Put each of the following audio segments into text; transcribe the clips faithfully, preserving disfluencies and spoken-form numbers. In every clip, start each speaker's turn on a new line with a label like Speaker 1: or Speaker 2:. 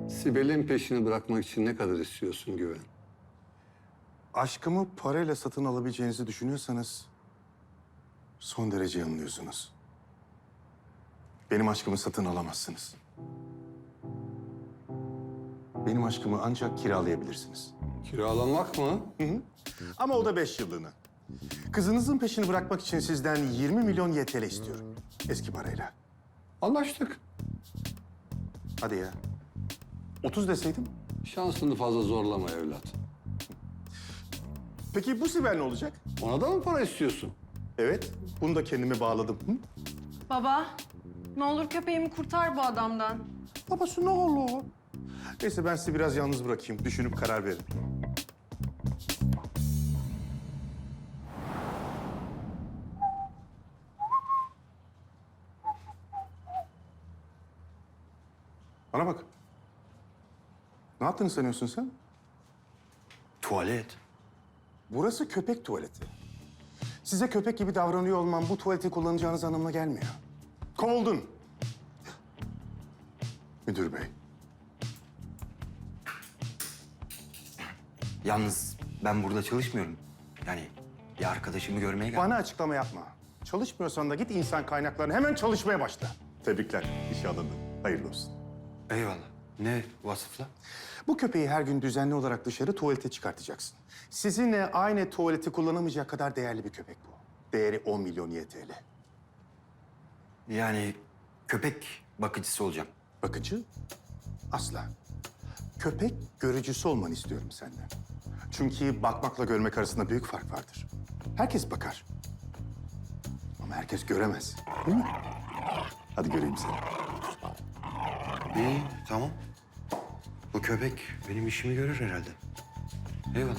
Speaker 1: Sibel'in peşini bırakmak için ne kadar istiyorsun Güven?
Speaker 2: Aşkımı parayla satın alabileceğinizi düşünüyorsanız son derece yanılıyorsunuz. Benim aşkımı satın alamazsınız. Benim aşkımı ancak kiralayabilirsiniz.
Speaker 1: Kiralamak mı?
Speaker 2: Hı hı. Ama o da beş yıllığına. Kızınızın peşini bırakmak için sizden yirmi milyon Y T L istiyorum. Eski parayla.
Speaker 1: Anlaştık.
Speaker 2: Hadi ya. otuz deseydim.
Speaker 1: Şansını fazla zorlama evlat.
Speaker 2: Peki bu Sibel ne olacak?
Speaker 1: Ona da mı para istiyorsun?
Speaker 2: Evet, bunu da kendime bağladım. Hı?
Speaker 3: Baba, ne olur köpeğimi kurtar bu adamdan.
Speaker 2: Babası ne olur? Neyse ben sizi biraz yalnız bırakayım. Düşünüp karar verin. Bana bak. Ne yaptığını sanıyorsun sen?
Speaker 4: Tuvalet.
Speaker 2: Burası köpek tuvaleti. Size köpek gibi davranıyor olmam bu tuvaleti kullanacağınız anlamına gelmiyor. Kovuldun. Müdür bey.
Speaker 4: Yalnız ben burada çalışmıyorum. Yani bir arkadaşımı görmeye geldim.
Speaker 2: Bana açıklama yapma. Çalışmıyorsan da git insan kaynaklarına hemen çalışmaya başla. Tebrikler. İşe alındın. Hayırlı olsun.
Speaker 4: Eyvallah. Ne vasıfla?
Speaker 2: Bu köpeği her gün düzenli olarak dışarı tuvalete çıkartacaksın. Sizinle aynı tuvaleti kullanamayacak kadar değerli bir köpek bu. Değeri on milyon Y T L.
Speaker 4: Yani köpek bakıcısı olacağım.
Speaker 2: Bakıcı? Asla. Köpek görücüsü olmanı istiyorum senden. Çünkü bakmakla görmek arasında büyük fark vardır. Herkes bakar. Ama herkes göremez. Değil mi? Hadi göreyim seni.
Speaker 4: İyi, tamam. Bu köpek benim işimi görür herhalde. Eyvallah.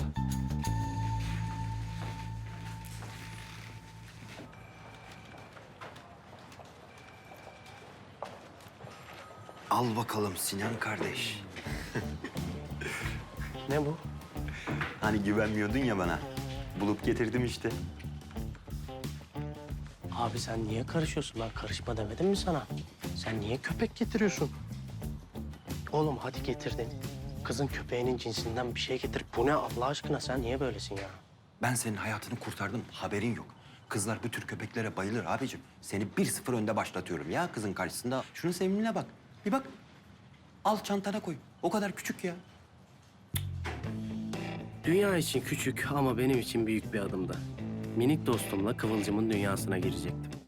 Speaker 4: Al bakalım Sinan kardeş.
Speaker 5: Ne bu?
Speaker 4: Hani güvenmiyordun ya bana. Bulup getirdim işte.
Speaker 5: Abi sen niye karışıyorsun? Ben karışma demedim mi sana? Sen niye köpek getiriyorsun? Oğlum hadi getirdin. Kızın köpeğinin cinsinden bir şey getir. Bu ne Allah aşkına? Sen niye böylesin ya?
Speaker 4: Ben senin hayatını kurtardım, haberin yok. Kızlar bu tür köpeklere bayılır abicim. Seni bir sıfır önde başlatıyorum ya kızın karşısında. Şunun sevimliliğine bak. Bir bak. Al çantana koy. O kadar küçük ya.
Speaker 5: Dünya için küçük ama benim için büyük bir adımdı. Minik dostumla Kıvılcım'ın dünyasına girecektim.